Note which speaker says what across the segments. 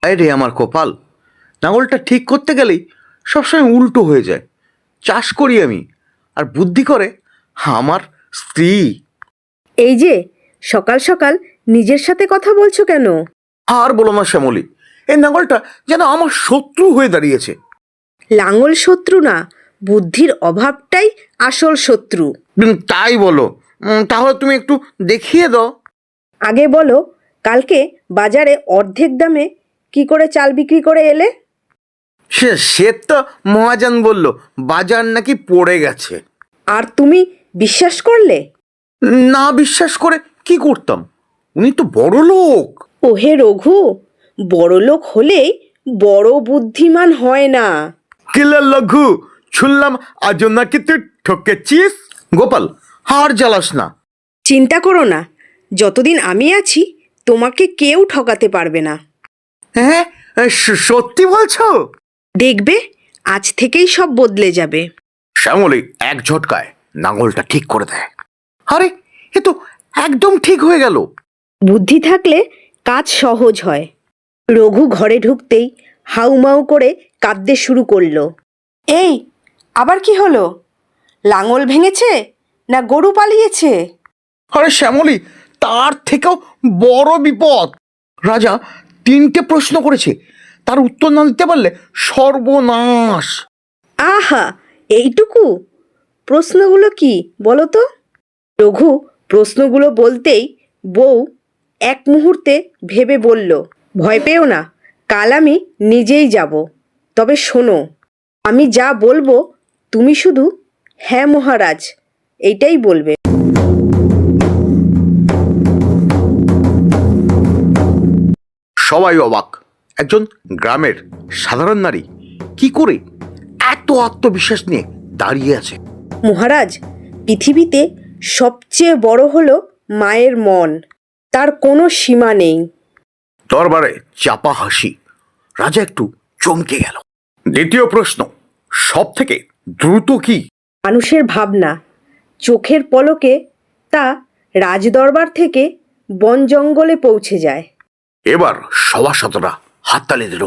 Speaker 1: রে আমার কপাল, লাঙলটা ঠিক করতে গেলেই সবসময় উল্টো হয়ে যায়। চাষ করি আমি, আর বুদ্ধি করে আমার স্ত্রী।
Speaker 2: এই যে সকাল সকাল নিজের সাথে কথা বলছো কেন?
Speaker 1: আর বলো না শ্যামলী, এই লাঙলটা যেন আমার শত্রু হয়ে দাঁড়িয়েছে।
Speaker 2: লাঙল শত্রু না, বুদ্ধির অভাবটাই আসল শত্রু।
Speaker 1: তাই বলো? তাহলে তুমি একটু দেখিয়ে দাও।
Speaker 2: আগে বলো, কালকে বাজারে অর্ধেক দামে কি করে চাল বিক্রি করে এলে?
Speaker 1: সে তো মহাজন বলল বাজার নাকি পড়ে গেছে।
Speaker 2: আর তুমি বিশ্বাস করলে?
Speaker 1: না বিশ্বাস করে কি করতাম, উনি তো বড় লোক।
Speaker 2: ওহে রঘু, বড় লোক হলেই বড় বুদ্ধিমান হয় না।
Speaker 1: কিলা লঘু, শুনলাম আজ নাকি তুই ঠকেছিস। গোপাল, হার জ্বালাস না।
Speaker 2: চিন্তা করো না, যতদিন আমি আছি তোমাকে কেউ ঠকাতে পারবে না।
Speaker 1: হ্যাঁ, সত্যি বলছো?
Speaker 2: দেখবে আজ থেকেই সব বদলে যাবে।
Speaker 1: শ্যামলী এক ঝটকায় নাঙলটা ঠিক করে দেয়। আরে, এ তো একদম ঠিক হয়ে গেল।
Speaker 2: বুদ্ধি থাকলে কাজ সহজ হয়। রঘু ঘরে ঢুকতেই হাউমাউ করে কাঁদতে শুরু করলো। এই, আবার কি হলো? লাঙল ভেঙেছে না গরু পালিয়েছে?
Speaker 1: আরে শ্যামলী, তার থেকেও বড় বিপদ। রাজা 3টে প্রশ্ন করেছে, তার উত্তর না দিতে পারলে সর্বনাশ।
Speaker 2: আহা, এইটুকু? প্রশ্নগুলো কি বলো তো? রঘু প্রশ্নগুলো বলতেই বউ এক মুহূর্তে ভেবে বলল, ভয় পেও না, কাল আমি নিজেই যাব। তবে শোনো, আমি যা বলবো তুমি শুধু হ্যাঁ মহারাজ এইটাই বলবে।
Speaker 1: সবাই অবাক। একজন গ্রামের সাধারণ নারী কি করে এত আত্মবিশ্বাস নিয়ে দাঁড়িয়ে আছে?
Speaker 2: মহারাজ, পৃথিবীতে সবচেয়ে বড় হলো মায়ের মন, তার কোনো সীমা নেই।
Speaker 1: দরবারে চাপা হাসি। রাজা একটু চমকে গেল। দ্বিতীয় প্রশ্ন, সব থেকে দ্রুত কি?
Speaker 2: মানুষের ভাবনা। চোখের পলকে তা রাজদরবার থেকে বন জঙ্গলে পৌঁছে যায়।
Speaker 1: এবার সভাসদরা হাততালি দিল।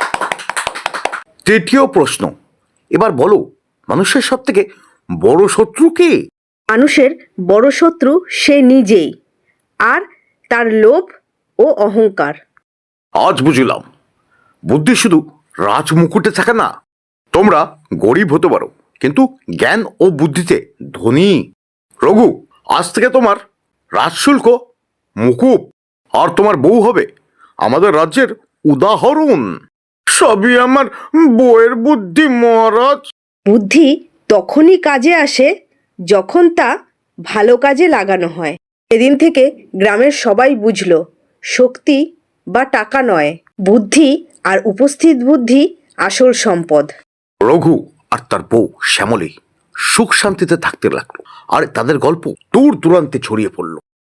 Speaker 1: তৃতীয় প্রশ্ন, এবার বলো, মানুষের সব থেকে বড় শত্রু কে?
Speaker 2: মানুষের বড় শত্রু সে নিজেই, আর তার লোভ ও অহংকার।
Speaker 1: আজ বুঝলাম, বুদ্ধি শুধু রাজমুকুটে থাকে না। তোমরা গরিব হতে পারো, কিন্তু জ্ঞান ও বুদ্ধিতে ধনী। রঘু, আজ থেকে তোমার রাজশুল্ক মুকুব, আর তোমার বউ হবে আমাদের রাজ্যের উদাহরণ। সবই আমার বউয়ের বুদ্ধি মহারাজ।
Speaker 2: বুদ্ধি তখনই কাজে আসে যখন তা ভালো কাজে লাগানো হয়। সেদিন থেকে গ্রামের সবাই বুঝলো, শক্তি বা টাকা নয়, বুদ্ধি আর উপস্থিত বুদ্ধি আসল সম্পদ।
Speaker 1: রঘু আর তার বউ শ্যামলী সুখ শান্তিতে থাকতে লাগলো, আর তাদের গল্প দূর দূরান্তে ছড়িয়ে পড়লো।